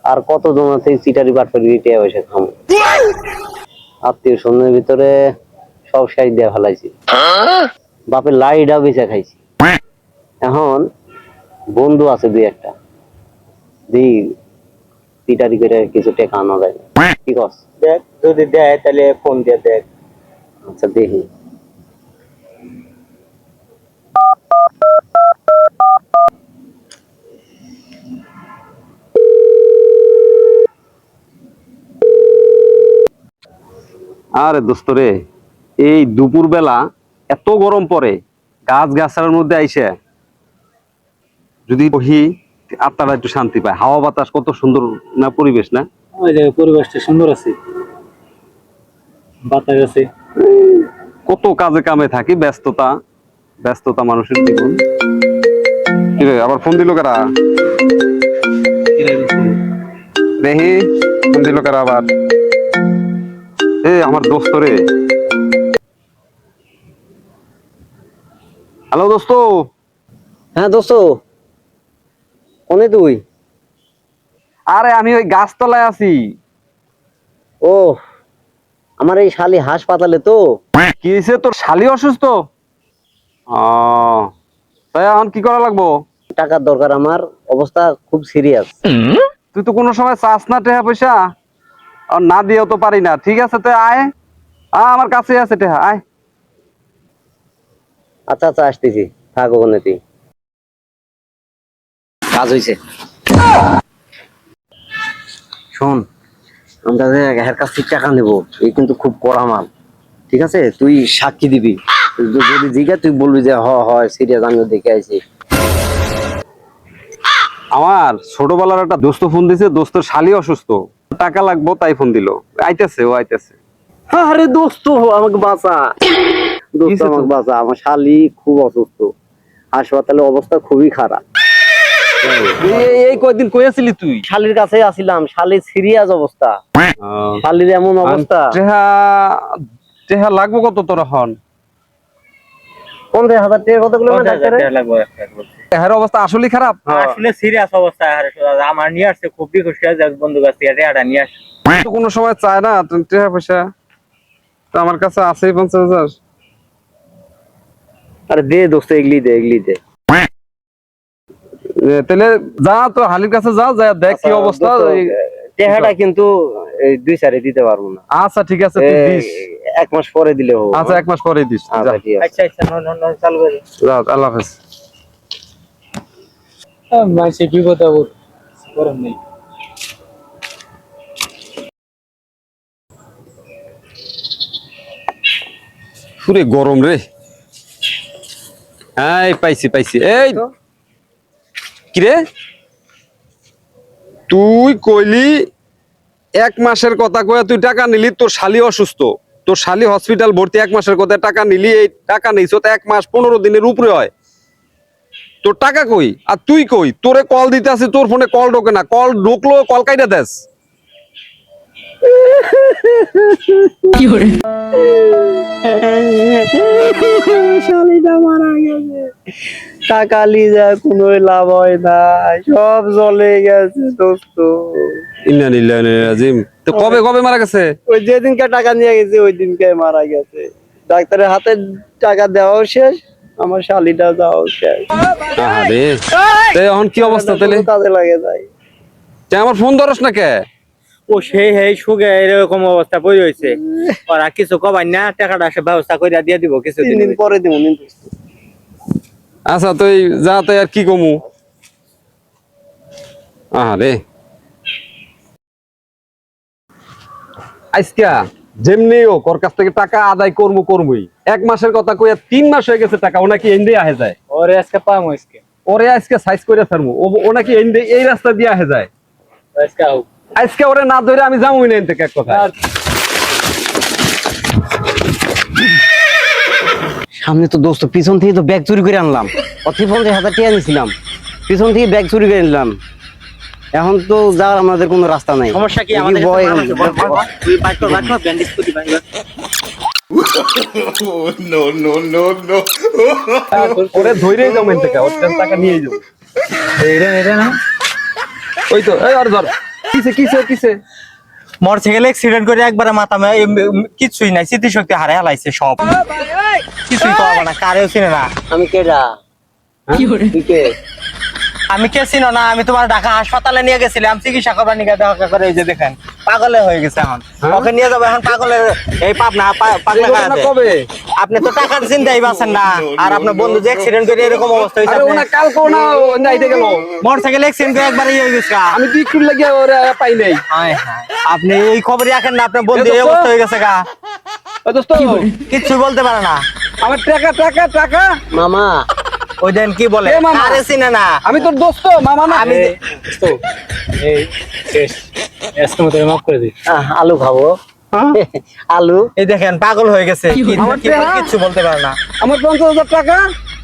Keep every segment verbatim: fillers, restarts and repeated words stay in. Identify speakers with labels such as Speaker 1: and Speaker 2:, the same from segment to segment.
Speaker 1: আর কত জন আছে চিটারি বাটপারি টিয়া পয়সা খামো। আত্মীয় স্বজনের ভিতরে সব শেষ দিয়ে ফেলাইছি, বাপের লাইটাও বেচা খাইছি। এখন বন্ধু আছে দুই একটা, দি চিটারি করে কিছু টাকা আনা যায়। কি কস?
Speaker 2: দেখ যদি দেয় তাহলে ফোন দিয়ে দেখ।
Speaker 1: আচ্ছা দেখি। আরে দোস্ত রে, এই দুপুর বেলা এত গরম পড়ে, গাছ গাছার মধ্যে আইসে যদি বহি আত্মাটা একটু শান্তি পায়। হাওয়া বাতাস কত সুন্দর না পরিবেশ না?
Speaker 2: ওই যে পরিবেশটা সুন্দর আছে, বাতাস আছে।
Speaker 1: কত কাজে কামে থাকি, ব্যস্ততা ব্যস্ততা মানুষের জীবন। কি রে, আবার ফোন দিল কারা? দেখি ফোন দিল কারা আবার? এ আমার দোস্ত রে। হ্যালো দোস্ত। হ্যাঁ দোস্ত, কোনে তুই? আরে আমি ওই গাছতলায় আছি। ও, আমার এই শালি হাসপাতালে। তো কি হয়েছে, তোর শালি অসুস্থ? ও তাই এখন কি করা লাগবো? টাকার দরকার, আমার অবস্থা খুব সিরিয়াস। তুই তো কোনো সময় চাস না টেহা পয়সা, আর না দিয়েও তো পারি না। ঠিক আছে তুই আয়, আমার কাছে আছে টেহা, আয়। আচ্ছা আচ্ছা আসতেছি, থাক ওখানে তুই। কাজ হয়েছে। শোন, আমরা এর কাছ থেকে টাকা নেবো, এই কিন্তু খুব কড়া মাল। ঠিক আছে, তুই সাক্ষী দিবি। যদি জিজ্ঞা তুই বলবি যে হ হয় সিরিয়াস, আমিও দেখে আইছি। আমার ছোটবেলার একটা দোস্ত ফোন দিছে, দোস্তের শালি অসুস্থ, টাকা লাগবো তাই ফোন দিল। আইতেছে, ও আইতেছে। আরে দোস্ত আমাকে বাঁচা, দোস্ত আমাকে বাঁচা। আমার শালি খুব অসুস্থ, হাসপাতালে অবস্থা খুবই খারাপ। এই কয়দিন কই আছিলি তুই? শালির কাছে আছিলাম, শালির সিরিয়াস অবস্থা। শালির এমন অবস্থা। টেহা টেহা লাগবো কত তোর এখন? পঞ্চাশ হাজার টাকা কতগুলো লাগবে? এর অবস্থা আসলে খারাপ,
Speaker 2: আসলে সিরিয়াস অবস্থা। আমার নিয়ে আসছে খুব খুশি আছে বন্ধু কাছ থেকে টাকাটা নিয়ে আসছে।
Speaker 1: তো কোনো সময় চায় না টাকা পয়সা, তো আমার কাছে আছে পঞ্চাশ হাজার। আরে দে দোস্ত, এগলি দে এগলি দে। তাহলে যা তো হালির কাছে যা, যা দেখ কি অবস্থা। টেহাটা কিন্তু দুই চারে দিতে পারবো না। আচ্ছা ঠিক আছে, তুই দিস, এক মাস পরে দিলে হবে। আচ্ছা এক মাস পরে দিস। আচ্ছা ঠিক আছে।
Speaker 2: আচ্ছা আচ্ছা, নো নো নো, চালু করে
Speaker 1: যা, আল্লাহ হাফেজ।
Speaker 2: মাসে বিপদ আপদ গরম নেই।
Speaker 1: পুরে গরম রে। এই পাইছি পাইছি। এই কিরে, তুই কইলি এক মাসের কথা কয়ে তুই টাকা নিলি, তোর শালি অসুস্থ, তোর শালি হসপিটাল ভর্তি, এক মাসের কথা টাকা নিলি। এই টাকা নিছো তো এক মাস পনেরো দিনের উপরে হয়, তোর টাকা কই? আর তুই কই? তোরে কল দিতে আসি, তোর ফোনে কল ঢোকে না, কল ঢুকলো কল কাইটা দেস। শালিটা মারা গেছে, টাকা লিজা কোনো লাভ হয় না, সব চলে গেছে দোস্ত। ইন্না লিল্লাহি ওয়া ইন্না ইলাইহি রাজিউন। তো কবে কবে মারা গেছে? ওই যেদিনকে টাকা নিয়ে গেছে ওই দিনকে মারা গেছে। ডাক্তারের হাতে টাকা দেওয়াও শেষ, আমার শালিটা যাওয়াও শেষ। আরে এখন কি অবস্থা তাহলে? কাজে লাগে যাই। তুই আমার ফোন ধরস না কে?
Speaker 2: ও সেই হেই সুগে এরকম অবস্থা পড়ে হয়েছে, ওরা কিছু কবাই না, টাকাটা সে ব্যবস্থা করে দিয়ে দিব কিছুদিন
Speaker 1: পরে দিব। আচ্ছা তুই যা, তাই আর কি কমু। আরে আজকা যেমনি হোক ওর কাছ থেকে টাকা আদায় করবো করবোই। এক মাসের কথা কইয়া তিন মাস হয়ে গেছে, টাকা ও নাকি এন্ডে আহে যায়।
Speaker 2: ওরে আজকে পাম আজকে,
Speaker 1: ওরে আজকে সাইজ করে ফেলবো, ও নাকি এন্ডে এই রাস্তা দিয়ে আহে যায়।
Speaker 2: আজকে হোক,
Speaker 1: আজকে ওরে না ধরে আমি যাবোই না এনতে। এক কথা, সামনে তো দোস্ত, পিছন থেকে তো ব্যাগ চুরি করে আনলাম, অতি পঞ্চাশ হাজার টাকা নিয়েছিলাম, পিছন থেকে ব্যাগ চুরি করে নিলাম। এখন তো যাওয়ার আমাদের কোনো রাস্তা নাই।
Speaker 2: সমস্যা কি? আমাদের তুই বাইক কর, বাইক কর, ব্যান্ডেজ করে দিবা।
Speaker 3: নো নো নো নো,
Speaker 1: ওরে ধইরেই যাও এনতে, ওর টাকা নিয়েই যাও।
Speaker 2: এরে এরে না,
Speaker 1: ওই তো এই আর ধর কিসে কিসে কিসে
Speaker 2: মোটরসাইকেল অ্যাক্সিডেন্ট করে একবারে মাথা মে- এম- এম- কিচ্ছুই নাই, স্মৃতিশক্তি হারে হালাইছে সব। কিছুই তো হবে না, কারেও চিনে না।
Speaker 1: আমি কেডা তুই কে
Speaker 2: আমি কে চিনো না? আমি তোমার ঢাকা হাসপাতালে নিয়ে গেছিলাম চিকিৎসা করবার নিয়ে, দেখা করে এই যে দেখেন পাগলে হয়ে গেছে এখন।
Speaker 1: হ্যাঁ?
Speaker 2: ওকে নিয়ে যাবো এখন পাগলের এই পাবনা পা- পাগলা
Speaker 1: এই ঘটনা
Speaker 2: গাঁজাতে।
Speaker 1: কবে
Speaker 2: আপনি তো টাকার চিন্তাই পাচ্ছেন না, আর আপনার বন্ধু যে অ্যাক্সিডেন্ট করে এরকম অবস্থা হয়েছে।
Speaker 1: আরে ওনা কালকে ওনা নাইতে গেল
Speaker 2: মোটরসাইকেল অ্যাক্সিডেন্ট করে একবারে ইয়ে হয়ে গেছে।
Speaker 1: আমি দুই একটু লাগিয়ে ওরে পাই নাই
Speaker 2: হায় হায়, আপনি এই খবরই রাখেন না, আপনার বন্ধু
Speaker 1: এ
Speaker 2: এই
Speaker 1: দোস্ত।
Speaker 2: অবস্থা হয়ে গেছে গা,
Speaker 1: ও দোস্ত
Speaker 2: কিচ্ছু বলতে পারে না।
Speaker 1: আমার টাকা টাকা টাকা মামা
Speaker 2: ওই দেন কি বলে,
Speaker 1: এ মামা।
Speaker 2: আরে চিনে না।
Speaker 1: আমি তোর দোস্ত মামা না
Speaker 2: আমি
Speaker 1: আহ, আলু খাবো আলু
Speaker 2: এই দেখেন পাগল হয়ে গেছে, কি-
Speaker 1: আমার
Speaker 2: কি-
Speaker 1: টাকা?
Speaker 2: কিচ্ছু বলতে পারে না।
Speaker 1: আমার পঞ্চাশ হাজার টাকা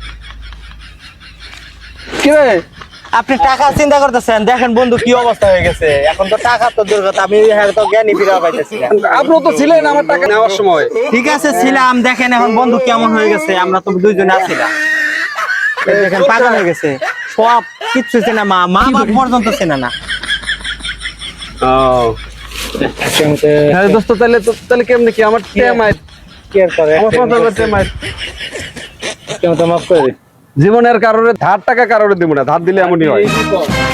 Speaker 1: কি রে
Speaker 2: আপনি টাকা চিন্তা করতেছেন, দেখেন বন্ধু কি অবস্থা হয়ে গেছে। এখন তো টাকা তো দূর কথা, আমি হ্যাঁ তো জ্ঞানী ফিরা পাইতেছি না।
Speaker 1: আপনিও তো ছিলেন আমার টাকা নেওয়ার সময়
Speaker 2: ঠিক আছে ছিলাম, দেখেন এখন বন্ধু কেমন হয়ে গেছে, আমরা তো দুইজনে আছিলাম। এই দেখেন পাগল হয়ে গেছে, সব কিচ্ছু চেনে, মা মা বাপ পর্যন্ত চেনে না।
Speaker 1: হ্যাঁ দোস্ত তাহলে তো তাহলে কেমনে কি আমার টেমাই আমার পঞ্চাশ হাজার টেমাই জীবনের কারণে ধার টাকা কারণে দিব না, ধার দিলে এমনই হয়।